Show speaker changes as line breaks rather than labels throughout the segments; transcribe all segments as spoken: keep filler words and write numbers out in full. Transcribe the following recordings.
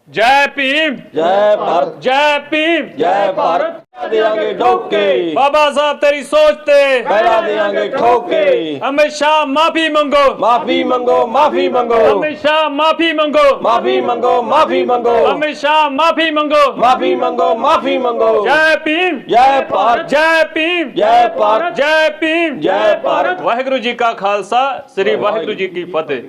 जय भीम,
जय भारत,
जय भीम,
जय भारत। देंगे ठोके
बाबा साहब तेरी सोचते
पहला देंगे ठोके।
अमित शाह माफी मंगो,
माफी मंगो, माफी मंगो,
अमित शाह माफी मंगो,
माफी मंगो, माफी मंगो,
अमित शाह माफी मंगो,
माफी मंगो, माफी मंगो।
जय भीम,
जय भारत,
जय भीम,
जय भारत,
जय भीम,
जय भारत।
वाहिगुरु जी का खालसा, श्री वाहिगुरु जी की फतेह।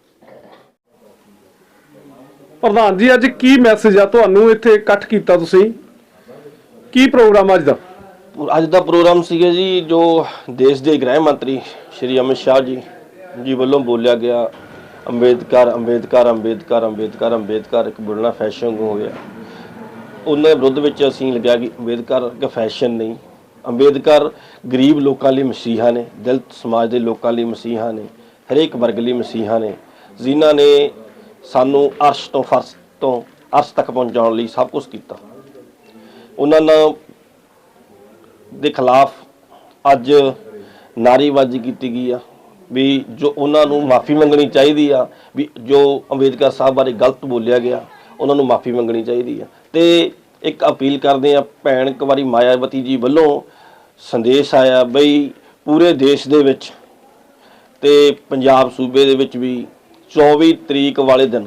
ਪ੍ਰਧਾਨ ਜੀ ਅੱਜ ਕੀ ਮੈਸੇਜ ਆ ਤੁਹਾਨੂੰ ਇੱਥੇ ਇਕੱਠ ਕੀਤਾ ਤੁਸੀਂ ਕੀ ਪ੍ਰੋਗਰਾਮ ਅੱਜ ਦਾ
ਅੱਜ ਦਾ ਪ੍ਰੋਗਰਾਮ ਸੀਗਾ ਜੀ ਜੋ ਦੇਸ਼ ਦੇ ਗ੍ਰਹਿ ਮੰਤਰੀ ਸ਼੍ਰੀ ਅਮਿਤ ਸ਼ਾਹ ਜੀ ਜੀ ਵੱਲੋਂ ਬੋਲਿਆ ਗਿਆ ਅੰਬੇਦਕਰ ਅੰਬੇਦਕਰ ਅੰਬੇਦਕਰ ਅੰਬੇਦਕਰ ਅੰਬੇਦਕਰ ਇੱਕ ਬੋਲਣਾ ਫੈਸ਼ਨ ਹੋ ਗਿਆ। ਉਹਨਾਂ ਦੇ ਵਿਰੁੱਧ ਵਿੱਚ ਅਸੀਂ ਲੱਗਿਆ ਕਿ ਅੰਬੇਦਕਰ ਇੱਕ ਫੈਸ਼ਨ ਨਹੀਂ, ਅੰਬੇਦਕਰ ਗਰੀਬ ਲੋਕਾਂ ਲਈ ਮਸੀਹਾ ਨੇ, ਦਲਿਤ ਸਮਾਜ ਦੇ ਲੋਕਾਂ ਲਈ ਮਸੀਹਾ ਨੇ, ਹਰੇਕ ਵਰਗ ਲਈ ਮਸੀਹਾ ਨੇ, ਜਿਨ੍ਹਾਂ ਨੇ ਸਾਨੂੰ ਅਰਸ਼ ਤੋਂ ਫਰਸ਼ ਤੋਂ ਅਰਸ਼ ਤੱਕ ਪਹੁੰਚਾਉਣ ਲਈ ਸਭ ਕੁਝ ਕੀਤਾ। ਉਹਨਾਂ ਨਾਲ ਦੇ ਖਿਲਾਫ ਅੱਜ ਨਾਅਰੇਬਾਜ਼ੀ ਕੀਤੀ ਗਈ ਆ ਵੀ ਜੋ ਉਹਨਾਂ ਨੂੰ ਮਾਫੀ ਮੰਗਣੀ ਚਾਹੀਦੀ ਆ, ਵੀ ਜੋ ਅੰਬੇਦਕਰ ਸਾਹਿਬ ਬਾਰੇ ਗਲਤ ਬੋਲਿਆ ਗਿਆ ਉਹਨਾਂ ਨੂੰ ਮਾਫੀ ਮੰਗਣੀ ਚਾਹੀਦੀ ਆ। ਤੇ ਇੱਕ ਅਪੀਲ ਕਰਦੇ ਆ ਭੈਣ ਕੁਮਾਰੀ ਮਾਇਆਵਤੀ ਜੀ ਵੱਲੋਂ ਸੰਦੇਸ਼ ਆਇਆ ਬਈ ਪੂਰੇ ਦੇਸ਼ ਦੇ ਵਿੱਚ ਤੇ ਪੰਜਾਬ ਸੂਬੇ ਦੇ ਵਿੱਚ ਵੀ ਚੌਵੀ ਤਰੀਕ ਵਾਲੇ ਦਿਨ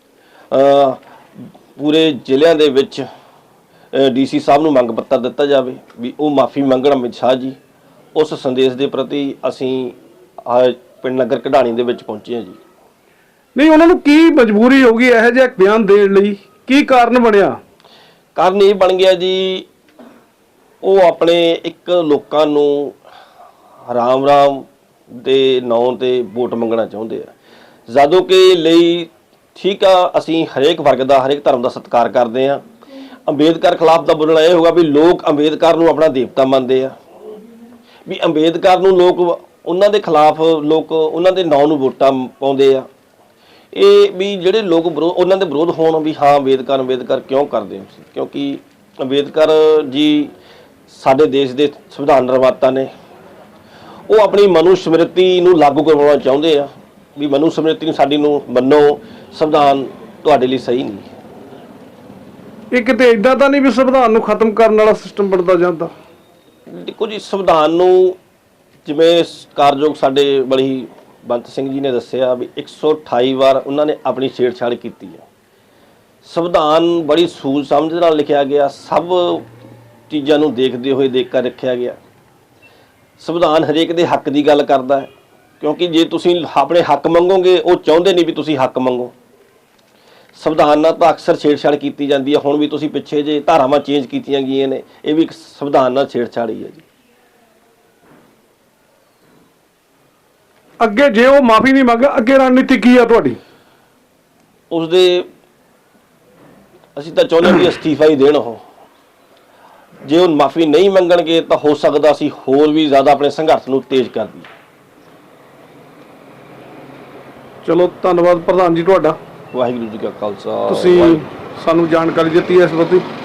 ਪੂਰੇ ਜ਼ਿਲ੍ਹਿਆਂ ਦੇ ਵਿੱਚ ਡੀ ਸੀ ਸਾਹਿਬ ਨੂੰ ਮੰਗ ਪੱਤਰ ਦਿੱਤਾ ਜਾਵੇ ਵੀ ਉਹ ਮਾਫੀ ਮੰਗਣ ਅਮਿਤ ਸ਼ਾਹ ਜੀ। ਉਸ ਸੰਦੇਸ਼ ਦੇ ਪ੍ਰਤੀ ਅਸੀਂ ਪਿੰਡ ਨਗਰ ਕਢਾਣੀ ਦੇ ਵਿੱਚ ਪਹੁੰਚੇ ਹਾਂ ਜੀ।
ਨਹੀਂ ਉਹਨਾਂ ਨੂੰ ਕੀ ਮਜਬੂਰੀ ਹੋ ਗਈ ਇਹੋ ਜਿਹਾ ਬਿਆਨ ਦੇਣ ਲਈ, ਕੀ ਕਾਰਨ ਬਣਿਆ?
ਕਾਰਨ ਇਹ ਬਣ ਗਿਆ ਜੀ ਉਹ ਆਪਣੇ ਇੱਕ ਲੋਕਾਂ ਨੂੰ ਰਾਮ ਰਾਮ ਦੇ ਨਾਂ ਤੇ ਵੋਟ ਮੰਗਣਾ ਚਾਹੁੰਦੇ ਆ, ਜਦੋਂ ਕਿ ਲਈ ਠੀਕ ਆ ਅਸੀਂ ਹਰੇਕ ਵਰਗ ਦਾ ਹਰੇਕ ਧਰਮ ਦਾ ਸਤਿਕਾਰ ਕਰਦੇ ਹਾਂ। ਅੰਬੇਦਕਰ ਖਿਲਾਫ ਦਾ ਬੋਲਣਾ ਇਹ ਹੋਗਾ ਵੀ ਲੋਕ ਅੰਬੇਦਕਰ ਨੂੰ ਆਪਣਾ ਦੇਵਤਾ ਮੰਨਦੇ ਆ, ਵੀ ਅੰਬੇਦਕਰ ਨੂੰ ਲੋਕ ਉਹਨਾਂ ਦੇ ਖਿਲਾਫ ਲੋਕ ਉਹਨਾਂ ਦੇ ਨਾਂ ਨੂੰ ਵੋਟਾਂ ਪਾਉਂਦੇ ਆ। ਇਹ ਵੀ ਜਿਹੜੇ ਲੋਕ ਵਿਰੋਧ ਉਹਨਾਂ ਦੇ ਵਿਰੋਧ ਹੋਣ ਵੀ ਹਾਂ ਅੰਬੇਦਕਰ ਅੰਬੇਦਕਰ ਕਿਉਂ ਕਰਦੇ ਹੋ, ਕਿਉਂਕਿ ਅੰਬੇਦਕਰ ਜੀ ਸਾਡੇ ਦੇਸ਼ ਦੇ ਸੰਵਿਧਾਨ ਨਿਰਮਾਤਾ ਨੇ। ਉਹ ਆਪਣੀ ਮਨੂ ਸਮ੍ਰਿਤੀ ਨੂੰ ਲਾਗੂ ਕਰਵਾਉਣਾ ਚਾਹੁੰਦੇ ਆ ਵੀ ਮਨੂ ਸਮ੍ਰਿਤੀ ਨੂੰ ਸਾਡੀ ਨੂੰ ਮੰਨੋ, ਸੰਵਿਧਾਨ ਤੁਹਾਡੇ ਲਈ ਸਹੀ ਨਹੀਂ।
ਇਹ ਕਿਤੇ ਇਦਾਂ ਤਾਂ ਨਹੀਂ ਵੀ ਸੰਵਿਧਾਨ ਨੂੰ ਖਤਮ ਕਰਨ ਵਾਲਾ ਸਿਸਟਮ ਬਣਦਾ ਜਾਂਦਾ?
ਦੇਖੋ ਜੀ ਸੰਵਿਧਾਨ ਨੂੰ ਜਿਵੇਂ ਕਾਰਜੋਗ ਸਾਡੇ ਬੜੀ ਬੰਤ ਸਿੰਘ ਜੀ ਨੇ ਦੱਸਿਆ ਵੀ ਇੱਕ ਸੌ ਅਠਾਈ ਵਾਰ ਉਹਨਾਂ ਨੇ ਆਪਣੀ ਛੇੜਛਾੜ ਕੀਤੀ ਹੈ। ਸੰਵਿਧਾਨ ਬੜੀ ਸੂਝ ਸਮਝ ਨਾਲ ਲਿਖਿਆ ਗਿਆ, ਸਭ ਚੀਜ਼ਾਂ ਨੂੰ ਦੇਖਦੇ ਹੋਏ ਦੇਖ ਕੇ ਰੱਖਿਆ ਗਿਆ। ਸੰਵਿਧਾਨ ਹਰੇਕ ਦੇ ਹੱਕ ਦੀ ਗੱਲ ਕਰਦਾ ਹੈ, ਕਿਉਂਕਿ ਜੇ ਤੁਸੀਂ ਆਪਣੇ ਹੱਕ ਮੰਗੋਗੇ ਉਹ ਚਾਹੁੰਦੇ ਨਹੀਂ ਵੀ ਤੁਸੀਂ ਹੱਕ ਮੰਗੋ। ਸੰਵਿਧਾਨ ਨਾਲ ਤਾਂ ਅਕਸਰ ਛੇੜਛਾੜ ਕੀਤੀ ਜਾਂਦੀ ਹੈ। ਹੁਣ ਵੀ ਤੁਸੀਂ ਪਿੱਛੇ ਜੇ ਧਾਰਾਵਾਂ ਚੇਂਜ ਕੀਤੀਆਂ ਗਈਆਂ ਨੇ, ਇਹ ਵੀ ਇੱਕ ਸੰਵਿਧਾਨ ਨਾਲ ਛੇੜਛਾੜ ਹੀ ਹੈ ਜੀ।
ਅੱਗੇ ਜੇ ਉਹ ਮਾਫੀ ਨਹੀਂ ਮੰਗੇ ਅੱਗੇ ਰਣਨੀਤੀ ਕੀ ਆ ਤੁਹਾਡੀ?
ਉਸਦੇ ਅਸੀਂ ਤਾਂ ਚਾਹੁੰਦੇ ਵੀ ਅਸਤੀਫਾ ਹੀ ਦੇਣ ਉਹ। ਜੇ ਉਹ ਮਾਫੀ ਨਹੀਂ ਮੰਗਣਗੇ ਤਾਂ ਹੋ ਸਕਦਾ ਅਸੀਂ ਹੋਰ ਵੀ ਜ਼ਿਆਦਾ ਆਪਣੇ ਸੰਘਰਸ਼ ਨੂੰ ਤੇਜ਼ ਕਰ ਦਈਏ।
ਚਲੋ ਧੰਨਵਾਦ ਪ੍ਰਧਾਨ ਜੀ ਤੁਹਾਡਾ।
ਵਾਹਿਗੁਰੂ ਜੀ ਕਾ ਖਾਲਸਾ।
ਤੁਸੀਂ ਸਾਨੂੰ ਜਾਣਕਾਰੀ ਦਿੱਤੀ ਇਸ ਬਾਰੇ।